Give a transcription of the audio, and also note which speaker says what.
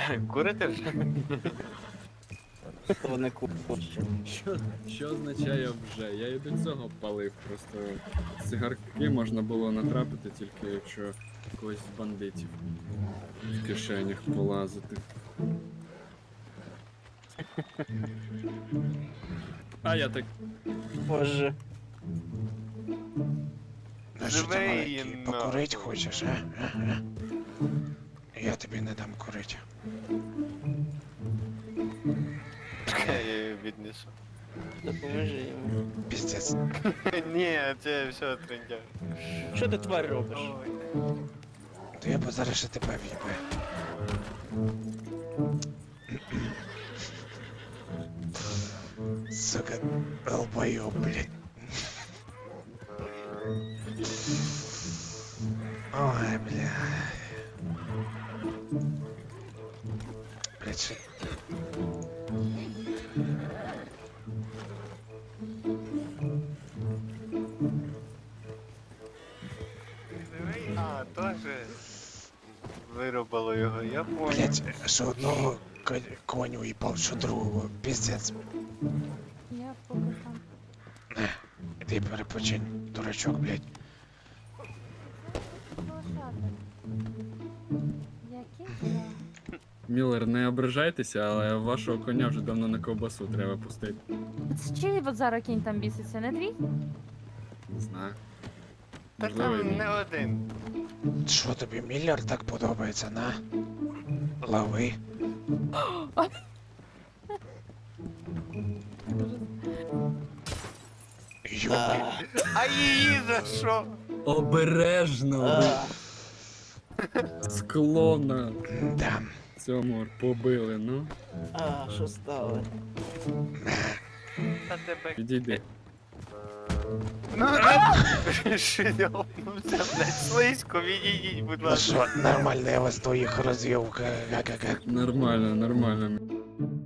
Speaker 1: Курите вже?
Speaker 2: Вони курчі.
Speaker 3: Що означає вже? Я і до цього палив, просто цигарки можна було натрапити тільки якщо когось з бандитів в кишенях полазити. А я так.
Speaker 2: Боже.
Speaker 4: Ну що ти,
Speaker 1: Живий,
Speaker 4: маленький,
Speaker 1: но.
Speaker 4: покурить хочеш, а? Я тобі не дам курити.
Speaker 1: Я її віднесу.
Speaker 2: Допоможи йому.
Speaker 4: Піздець.
Speaker 1: Ні, це все трендя.
Speaker 2: Що ти тварь робиш?
Speaker 4: То я б зараз ще тебе в'їбе. Сука, долбойоб, блядь. Ой, бля. Блядь, що...
Speaker 1: А, теж вирубало його, я понял.
Speaker 4: Блядь, що одного коню їбав, що другого. Піздець.
Speaker 5: Я поки там.
Speaker 4: Не, іди перепочинь, дурачок, блядь.
Speaker 5: Лошадок. Який я?
Speaker 3: Міллер, не ображайтеся, але вашого коня вже давно на ковбасу треба пустити.
Speaker 5: Це чий от зараз кінь там біситься, не твій?
Speaker 3: Не знаю.
Speaker 1: Та
Speaker 3: Можливо, і
Speaker 1: там
Speaker 3: ні.
Speaker 1: не один.
Speaker 4: Що тобі Міллер так подобається, на? Лови. Йобай.
Speaker 1: А її за що?
Speaker 3: Обережно! Скло на
Speaker 4: Да.
Speaker 3: цьому побили, ну.
Speaker 2: А, що стало?
Speaker 1: Та тебе.
Speaker 3: Підійди.
Speaker 1: Ну, шльопнувся, блядь, слизько, відійдіть, будь
Speaker 4: Ну
Speaker 1: ласка.
Speaker 4: що, нормально я вас двоїх розвів. Га-га-га.
Speaker 3: Нормально, нормально.